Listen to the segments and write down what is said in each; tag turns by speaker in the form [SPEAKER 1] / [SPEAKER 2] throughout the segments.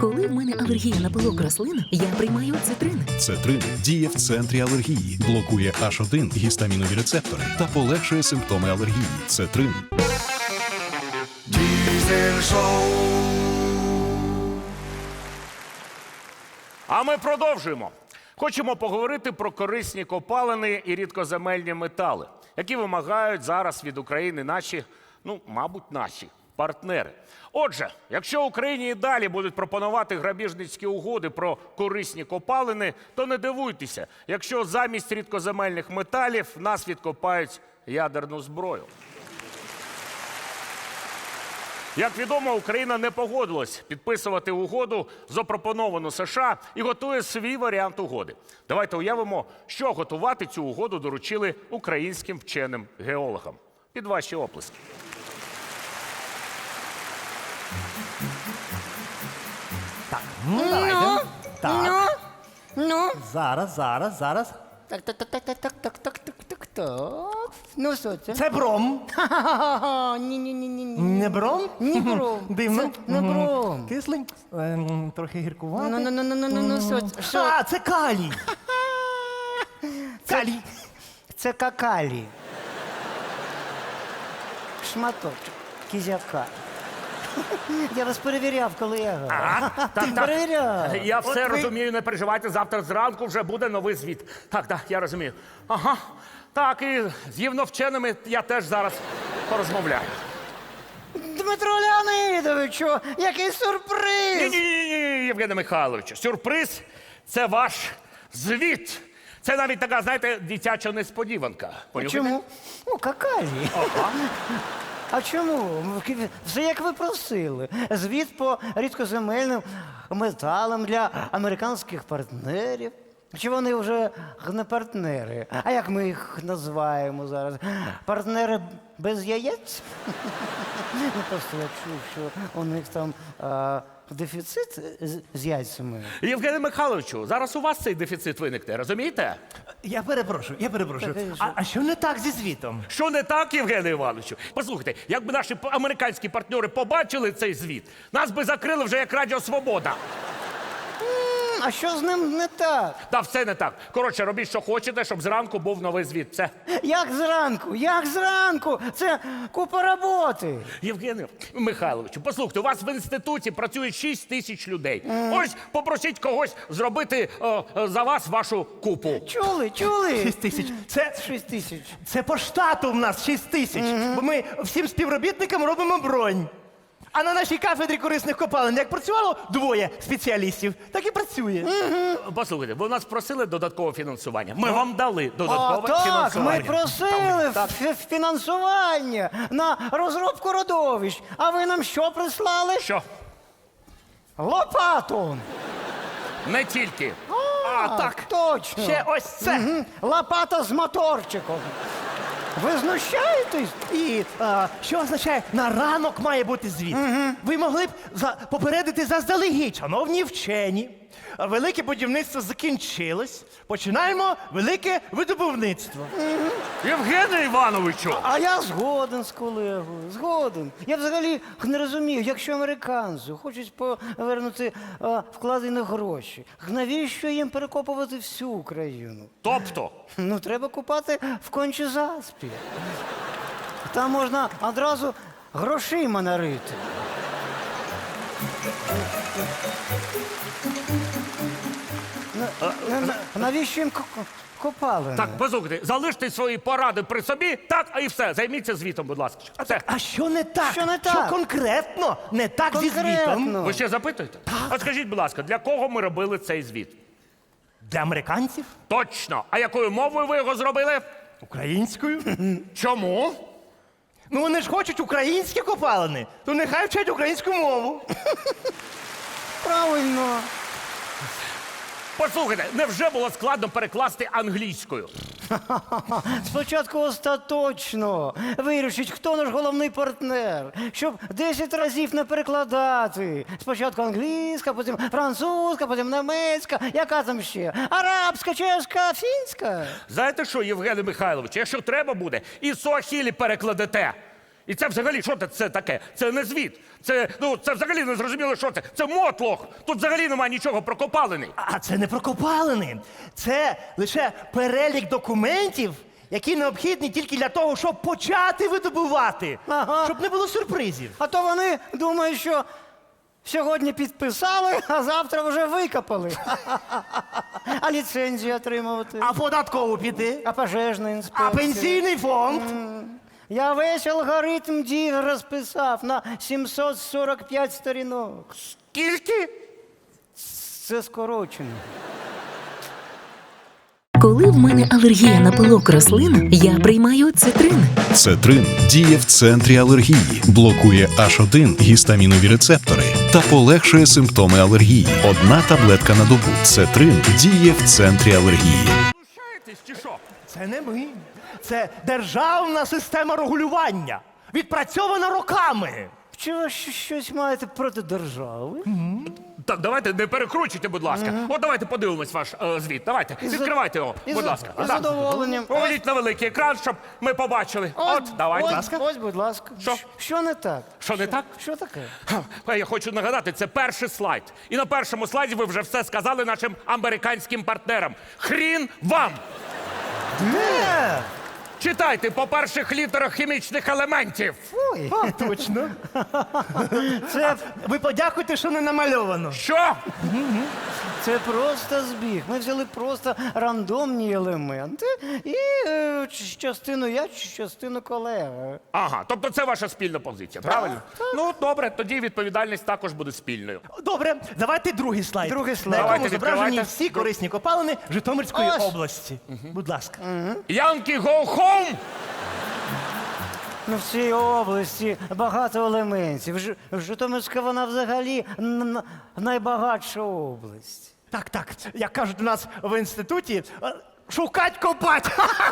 [SPEAKER 1] Коли в мене алергія на пилок рослин, я приймаю цитрин.
[SPEAKER 2] Цетрин діє в центрі алергії, блокує H1 гістамінові рецептори та полегшує симптоми алергії. Цетрин.
[SPEAKER 3] Diesel Show.
[SPEAKER 4] А ми продовжуємо. Хочемо поговорити про корисні копалини і рідкоземельні метали, які вимагають зараз від України наші, мабуть, наші партнери. Отже, якщо Україні і далі будуть пропонувати грабіжницькі угоди про корисні копалини, то не дивуйтеся, якщо замість рідкоземельних металів в нас відкопають ядерну зброю. Як відомо, Україна не погодилась підписувати угоду, запропоновану США, і готує свій варіант угоди. Давайте уявимо, що готувати цю угоду доручили українським вченим геологам. Під ваші оплески.
[SPEAKER 5] Так, давайте. Так,
[SPEAKER 6] Ну,
[SPEAKER 5] зараз.
[SPEAKER 6] так. Ну, що це?
[SPEAKER 5] Це бром.
[SPEAKER 6] Ха-ха-ха, ні.
[SPEAKER 5] Не бром?
[SPEAKER 6] Ні, бром.
[SPEAKER 5] Дивно.
[SPEAKER 6] Це не бром.
[SPEAKER 5] Кислий, трохи гіркуватий.
[SPEAKER 6] Ну, що?
[SPEAKER 5] А, це калій. Калій.
[SPEAKER 6] Це какалі. Шматочок кізяка. Я вас перевіряв, колега. Ти перевіряв.
[SPEAKER 4] Я все розумію, не переживайте, завтра зранку вже буде новий звіт. Так, я розумію. Ага, так, і з гівновченими я теж зараз порозмовляю.
[SPEAKER 6] Дмитро Леонидовичу, який сюрприз!
[SPEAKER 4] Ні, Євгене Михайловичу, сюрприз – це ваш звіт. Це навіть така, знаєте, дитяча несподіванка. Понюхайте?
[SPEAKER 6] Чому? Ну, какалі. А чому? Все як ви просили. Звіт по рідкоземельним металам для американських партнерів. Чи вони вже не партнери? А як ми їх називаємо зараз? Партнери без яєць? Просто я чув, що у них там дефіцит з яйцями.
[SPEAKER 4] Євгене Михайловичу, зараз у вас цей дефіцит виникне, розумієте?
[SPEAKER 5] Я перепрошую.
[SPEAKER 6] Так,
[SPEAKER 5] А що не так зі звітом?
[SPEAKER 4] Що не так, Євгене Івановичу? Послухайте, якби наші американські партнери побачили цей звіт, нас би закрили вже як Радіо Свобода.
[SPEAKER 6] А що з ним не так?
[SPEAKER 4] Та все не так. Коротше, робіть, що хочете, щоб зранку був новий звіт. Все.
[SPEAKER 6] Як зранку? Це купа роботи.
[SPEAKER 4] Євгене Михайловичу, послухайте, у вас в інституті працює 6 тисяч людей. Ось попросіть когось зробити за вас вашу купу.
[SPEAKER 6] Чули?
[SPEAKER 5] 6 тисяч. Це
[SPEAKER 6] 6 тисяч.
[SPEAKER 5] Це по штату в нас 6 тисяч. Бо ми всім співробітникам робимо бронь. А на нашій кафедрі корисних копалин як працювало 2 спеціалістів, так і працює.
[SPEAKER 4] Послухайте, ви нас просили додаткове фінансування. Ми вам дали додаткове
[SPEAKER 6] Так,
[SPEAKER 4] фінансування.
[SPEAKER 6] ми просили фінансування на розробку родовищ. А ви нам що прислали?
[SPEAKER 4] Що?
[SPEAKER 6] Лопату.
[SPEAKER 4] Не тільки.
[SPEAKER 6] Так, точно.
[SPEAKER 5] Ще ось це.
[SPEAKER 6] Лопата з моторчиком. Ви знущаєтесь?
[SPEAKER 5] І що означає, на ранок має бути звіт. Ви могли б попередити заздалегідь, шановні вчені. Велике будівництво закінчилось. Починаємо велике видобувництво.
[SPEAKER 4] Євгене Івановичу!
[SPEAKER 6] А я згоден з колегою, згоден. Я взагалі не розумію, якщо американці хочуть повернути вкладені гроші, навіщо їм перекопувати всю Україну?
[SPEAKER 4] Тобто?
[SPEAKER 6] Ну, треба купати в Кончі-Заспі. Там можна одразу грошима нарити. Навіщо їм копалини?
[SPEAKER 4] Так, послухайте, залиште свої поради при собі, так, і все. Займіться звітом, будь ласка. Все.
[SPEAKER 5] А що не так?
[SPEAKER 6] Що не так?
[SPEAKER 5] Що конкретно не так зі звітом?
[SPEAKER 6] Конкретно.
[SPEAKER 4] Ви ще запитуєте? А скажіть, будь ласка, для кого ми робили цей звіт?
[SPEAKER 5] Для американців?
[SPEAKER 4] Точно. А якою мовою ви його зробили?
[SPEAKER 5] Українською?
[SPEAKER 4] Чому?
[SPEAKER 5] Ну вони ж хочуть українські копалини, то нехай вчать українську мову.
[SPEAKER 6] Правильно.
[SPEAKER 4] Послухайте, невже було складно перекласти англійською?
[SPEAKER 6] Спочатку остаточно вирішить, хто наш головний партнер, щоб 10 разів не перекладати. Спочатку англійська, потім французька, потім німецька, яка там ще? Арабська, чешка, фінська.
[SPEAKER 4] Знаєте що, Євгене Михайлович, якщо треба буде, і суахілі перекладете. І це взагалі, що це таке? Це не звіт. Це взагалі не зрозуміло, що це. Це мотлох. Тут взагалі немає нічого про копалини.
[SPEAKER 5] А це не про копалини. Це лише перелік документів, які необхідні тільки для того, щоб почати видобувати.
[SPEAKER 6] Ага.
[SPEAKER 5] Щоб не було сюрпризів.
[SPEAKER 6] А то вони думають, що сьогодні підписали, а завтра вже викопали. А ліцензію отримувати?
[SPEAKER 5] А податкову піти?
[SPEAKER 6] А пожежна інспекція?
[SPEAKER 5] А пенсійний фонд?
[SPEAKER 6] Я весь алгоритм дій розписав на 745 сторінок.
[SPEAKER 4] Скільки?
[SPEAKER 6] Це скорочено.
[SPEAKER 1] Коли в мене алергія на пилок рослин, я приймаю цитрин.
[SPEAKER 2] Цетрин діє в центрі алергії, блокує H1 гістамінові рецептори та полегшує симптоми алергії. Одна таблетка на добу. Цетрин діє в центрі алергії.
[SPEAKER 4] Знущаєтесь чи що?
[SPEAKER 5] Це не ми. Це державна система регулювання. Відпрацьована роками.
[SPEAKER 6] Чи ви щось маєте проти держави?
[SPEAKER 4] Так, давайте не перекручуйте, будь ласка. От давайте подивимось ваш звіт. Давайте, відкривайте його, будь ласка.
[SPEAKER 6] Із задоволенням.
[SPEAKER 4] Поведіть на великий екран, щоб ми побачили. От, давайте.
[SPEAKER 6] Ось, будь ласка.
[SPEAKER 4] Що?
[SPEAKER 6] Що не так?
[SPEAKER 4] Що не так?
[SPEAKER 6] Що таке?
[SPEAKER 4] Я хочу нагадати, це перший слайд. І на першому слайді ви вже все сказали нашим американським партнерам. Хрін вам!
[SPEAKER 5] Де?
[SPEAKER 4] Читайте по перших літерах хімічних елементів.
[SPEAKER 6] Ой,
[SPEAKER 5] А, точно.
[SPEAKER 6] це,
[SPEAKER 5] Ви подякуйте, що не намальовано.
[SPEAKER 4] Що?
[SPEAKER 6] це просто збіг. Ми взяли просто рандомні елементи і частину я, частину колега.
[SPEAKER 4] Ага, тобто це ваша спільна позиція, правильно? Ну, добре, тоді відповідальність також буде спільною.
[SPEAKER 5] Добре, давайте другий слайд.
[SPEAKER 6] Другий слайд.
[SPEAKER 5] На якому
[SPEAKER 4] Давайте,
[SPEAKER 5] зображені
[SPEAKER 4] відкривайте.
[SPEAKER 5] всі корисні копалини Житомирської
[SPEAKER 6] Ось.
[SPEAKER 5] області. Будь ласка.
[SPEAKER 4] Янки, go home!
[SPEAKER 6] Ну, в цій області багато елементів. Житомирська вона взагалі найбагатша область.
[SPEAKER 5] Так, так. Як кажуть у нас в інституті, шукать копать.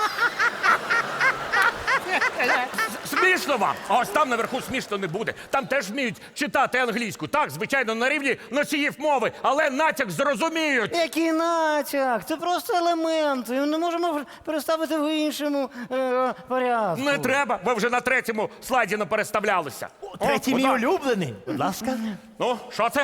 [SPEAKER 4] Смішно вам! А ось там наверху смішно не буде. Там теж вміють читати англійську. Так, звичайно, на рівні носіїв мови, але натяк зрозуміють.
[SPEAKER 6] Який натяк? Це просто елементи. Ми не можемо переставити в іншому порядку.
[SPEAKER 4] Не треба, ви вже на третьому слайді не переставлялися.
[SPEAKER 5] Третій мій улюблений. Будь ласка.
[SPEAKER 4] Ну, що це?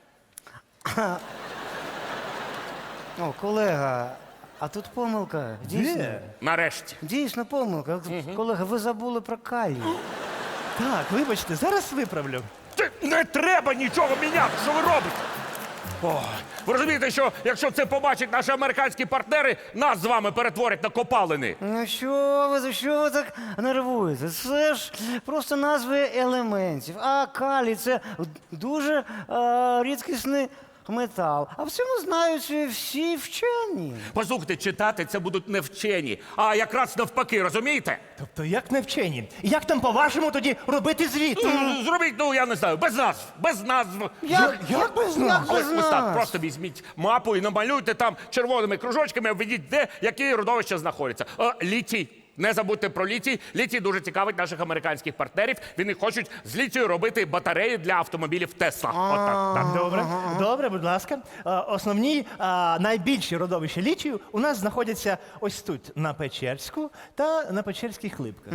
[SPEAKER 6] О, колега, а тут помилка. Дійсно.
[SPEAKER 5] Де?
[SPEAKER 4] Нарешті.
[SPEAKER 6] Дійсно помилка. Колега, ви забули про калій.
[SPEAKER 5] Так, вибачте, зараз виправлю.
[SPEAKER 4] Не треба нічого міняти, що ви робите? О, ви розумієте, що якщо це побачать наші американські партнери, нас з вами перетворять на копалини.
[SPEAKER 6] Ну що ви так нервуєте? Це ж просто назви елементів. А калій – це дуже рідкісний метал. А в цьому знають всі вчені.
[SPEAKER 4] Послухайте, читати це будуть не вчені, а якраз навпаки, розумієте?
[SPEAKER 5] Тобто, як не вчені? Як там, по-вашому, тоді робити звіт?
[SPEAKER 4] Зробіть, ну я не знаю, без назв, без назв.
[SPEAKER 5] Як без нас?
[SPEAKER 6] Як без
[SPEAKER 4] Ось так,
[SPEAKER 6] нас?
[SPEAKER 4] просто візьміть мапу і намалюйте там червоними кружочками, обведіть, де які родовища знаходяться. Літій. Не забудьте про літій. Літій дуже цікавить наших американських партнерів. Вони хочуть з літію робити батареї для автомобілів Тесла. Отак. Так.
[SPEAKER 5] Добре, добре, будь ласка. Основні найбільші родовища літію у нас знаходяться ось тут, на Печерську та на Печерських Липках.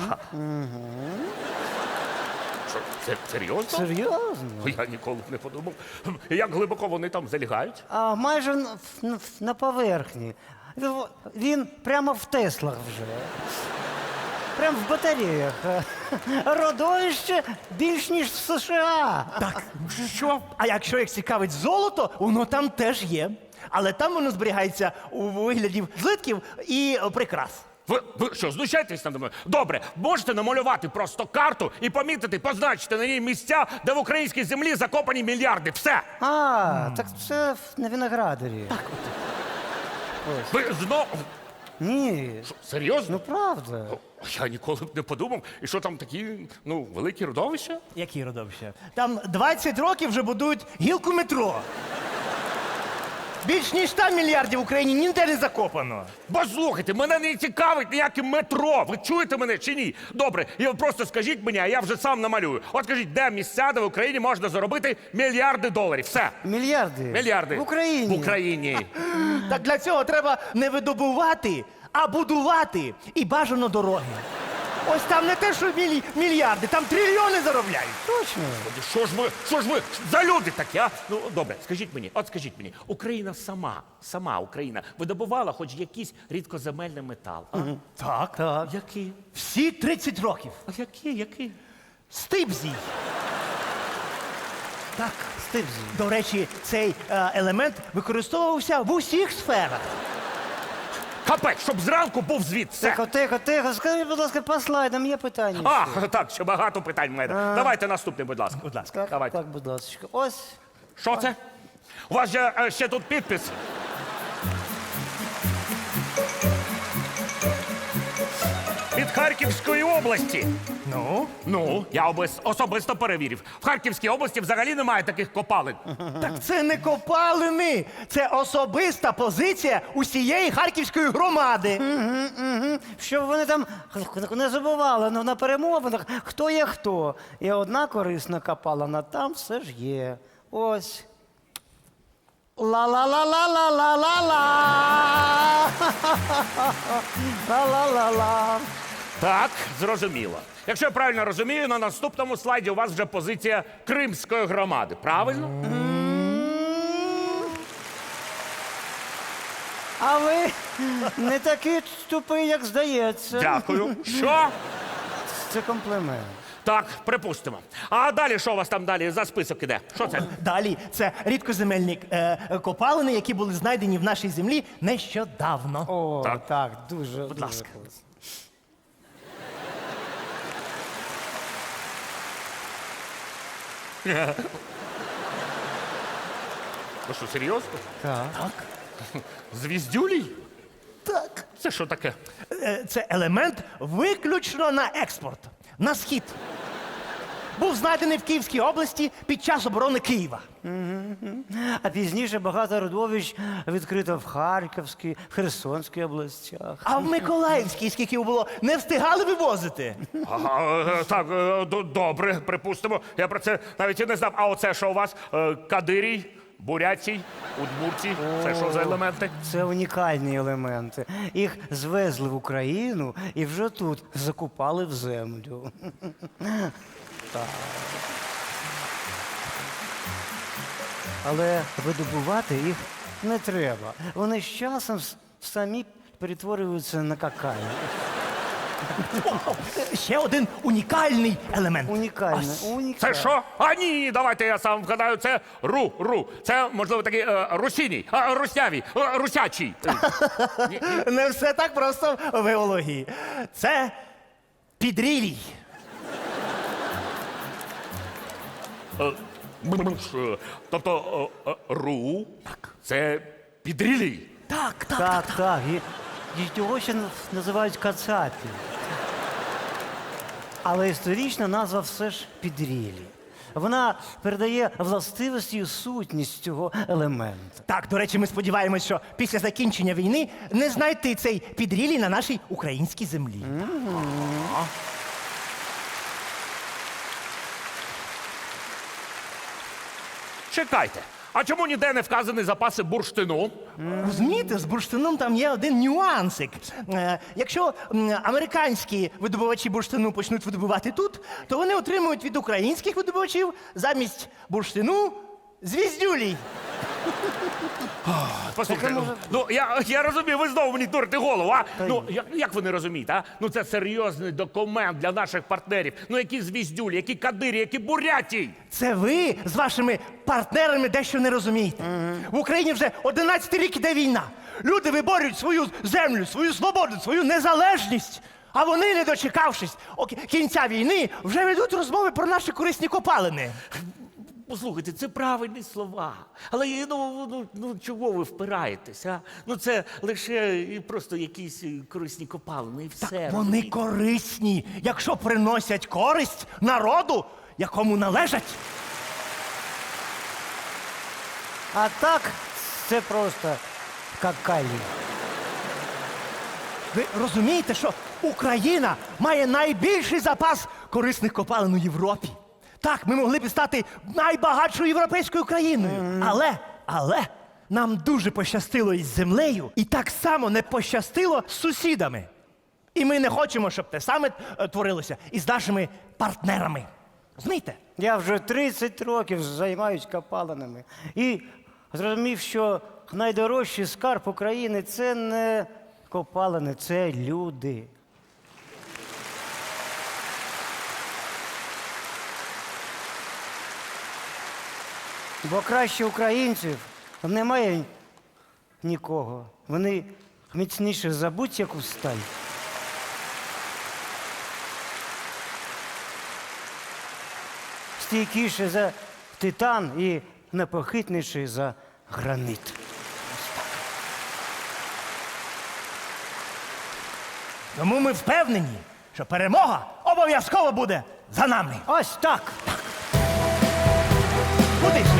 [SPEAKER 4] Що, це серйозно?
[SPEAKER 6] Серйозно?
[SPEAKER 4] Я ніколи б не подумав. Як глибоко вони там залягають?
[SPEAKER 6] А майже на поверхні. Він прямо в Теслах вже. Прямо в батареях. Родовище більш ніж в США.
[SPEAKER 5] Так, що? А якщо їх цікавить золото, воно там теж є. Але там воно зберігається у вигляді злитків і прикрас.
[SPEAKER 4] Ви що, знущаєтесь над мною? Добре, можете намалювати просто карту і помітити, позначити на ній місця, де в українській землі закопані мільярди. Все.
[SPEAKER 6] Так це на Виноградарі.
[SPEAKER 4] Ви знову...
[SPEAKER 6] Ні,
[SPEAKER 4] Що, серйозно?
[SPEAKER 6] ну правда.
[SPEAKER 4] Я ніколи б не подумав. І що там такі, великі родовища?
[SPEAKER 5] Які родовища? Там 20 років вже будують гілку метро. Більш ніж 100 мільярдів в Україні ніде не закопано.
[SPEAKER 4] Послухайте, мене не цікавить ніяке метро. Ви чуєте мене чи ні? Добре, і ви просто скажіть мені, а я вже сам намалюю. От скажіть, де місця, де в Україні можна заробити мільярди доларів? Все.
[SPEAKER 6] Мільярди?
[SPEAKER 4] Мільярди.
[SPEAKER 6] В Україні?
[SPEAKER 4] В Україні.
[SPEAKER 5] Так для цього треба не видобувати, а будувати. І бажано дороги. Ось там не те, що мільярди, там трильйони заробляють.
[SPEAKER 6] Точно.
[SPEAKER 4] Що ж ви за люди такі, а? Ну, добре, скажіть мені, Україна сама Україна видобувала хоч якийсь рідкоземельний метал, а?
[SPEAKER 5] Так.
[SPEAKER 6] Так.
[SPEAKER 4] Який?
[SPEAKER 5] Всі 30 років.
[SPEAKER 4] А який?
[SPEAKER 5] Стибзій. Так.
[SPEAKER 6] Стибзі.
[SPEAKER 5] До речі, цей елемент використовувався в усіх сферах.
[SPEAKER 4] Капець, щоб зранку був звіт. Все.
[SPEAKER 6] Тихо. Скажіть, будь ласка, по слайдам є питання.
[SPEAKER 4] А, так, ще багато питань в мене. Давайте наступне, будь ласка.
[SPEAKER 5] Будь ласка.
[SPEAKER 4] Давайте.
[SPEAKER 6] Так, будь ласка. Ось.
[SPEAKER 4] Що це? У вас же ще тут підпис. Від Харківської області. Ну, я особисто перевірив. В Харківській області взагалі немає таких копалин.
[SPEAKER 5] Так це не копалини, це особиста позиція усієї харківської громади.
[SPEAKER 6] Щоб вони там не забували на перемовинах, хто є хто. І одна корисна копалина там все ж є. Ось. Ла-ла-ла-ла-ла-ла-ла-ла. Ла-ла-ла-ла.
[SPEAKER 4] Так, зрозуміло. Якщо я правильно розумію, на наступному слайді у вас вже позиція Кримської громади. Правильно?
[SPEAKER 6] А ви не такий тупий, як здається.
[SPEAKER 4] Дякую. Що?
[SPEAKER 6] Це комплімент.
[SPEAKER 4] Так, припустимо. А далі що у вас там далі за список іде? Що це?
[SPEAKER 5] Далі це рідкоземельні копалини, які були знайдені в нашій землі нещодавно.
[SPEAKER 6] О,
[SPEAKER 4] Так.
[SPEAKER 6] так, дуже.
[SPEAKER 5] Будь ласка.
[SPEAKER 4] Ви що, серйозно?
[SPEAKER 6] Так.
[SPEAKER 4] Звіздюлій?
[SPEAKER 5] Так.
[SPEAKER 4] Це що таке?
[SPEAKER 5] Це елемент виключно на експорт, на схід. Був знайдений в Київській області під час оборони Києва.
[SPEAKER 6] А пізніше багато родовищ відкрито в Харківській, в Херсонській областях.
[SPEAKER 5] А в Миколаївській, скільки було, не встигали вивозити.
[SPEAKER 4] Так, добре, припустимо. Я про це навіть і не знав. А оце що у вас? Кадирій, Бурятій, Удмуртій? Це що за елементи?
[SPEAKER 6] Це унікальні елементи. Їх звезли в Україну і вже тут закупали в землю. Так. Але видобувати їх не треба. Вони з часом самі перетворюються на какао.
[SPEAKER 5] Ще один унікальний елемент.
[SPEAKER 6] Унікальне.
[SPEAKER 4] Це що? А ні, давайте я сам вгадаю. Це ру. Це, можливо, такий русіній, руснявій, русячий.
[SPEAKER 5] Не все так просто в геології. Це підрілій.
[SPEAKER 4] Тобто ру це підрілій.
[SPEAKER 6] Так. І його ще називають кацапі. Але історична назва все ж підрілі. Вона передає властивості і сутність цього елемента.
[SPEAKER 5] Так, до речі, ми сподіваємось, що після закінчення війни не знайти цей підрілій на нашій українській землі.
[SPEAKER 4] Чекайте. А чому ніде не вказані запаси бурштину?
[SPEAKER 5] Розумієте, з бурштином там є один нюансик. Якщо американські видобувачі бурштину почнуть видобувати тут, то вони отримують від українських видобувачів замість бурштину звіздюлій.
[SPEAKER 4] Послухайте, ну я розумію, ви знову мені дурите голову, а? Ну як ви не розумієте, а? Ну це серйозний документ для наших партнерів. Ну які звіздюлі, які кадирі, які бурятій.
[SPEAKER 5] Це ви з вашими партнерами дещо не розумієте. В Україні вже 11 рік іде війна. Люди виборюють свою землю, свою свободу, свою незалежність. А вони, не дочекавшись кінця війни, вже ведуть розмови про наші корисні копалини.
[SPEAKER 4] Послухайте, це правильні слова. Але ну чого ви впираєтесь, а? Ну це лише просто якісь корисні копалини і все.
[SPEAKER 5] Так вони
[SPEAKER 4] розумієте?
[SPEAKER 5] корисні, якщо приносять користь народу, якому належать.
[SPEAKER 6] А так, це просто какалі.
[SPEAKER 5] Ви розумієте, що Україна має найбільший запас корисних копалин у Європі? Так, ми могли б стати найбагатшою європейською країною. Але нам дуже пощастило із землею, і так само не пощастило з сусідами. І ми не хочемо, щоб те саме творилося і з нашими партнерами. Розумієте?
[SPEAKER 6] Я вже 30 років займаюсь копалинами. І зрозумів, що найдорожчий скарб України – це не копалини, це люди. Бо краще українців немає нікого. Вони міцніше за будь-яку сталь. Стійкіше за титан і непохитніший за граніт.
[SPEAKER 5] Тому ми впевнені, що перемога обов'язково буде за нами.
[SPEAKER 6] Ось так.
[SPEAKER 5] Куди ж?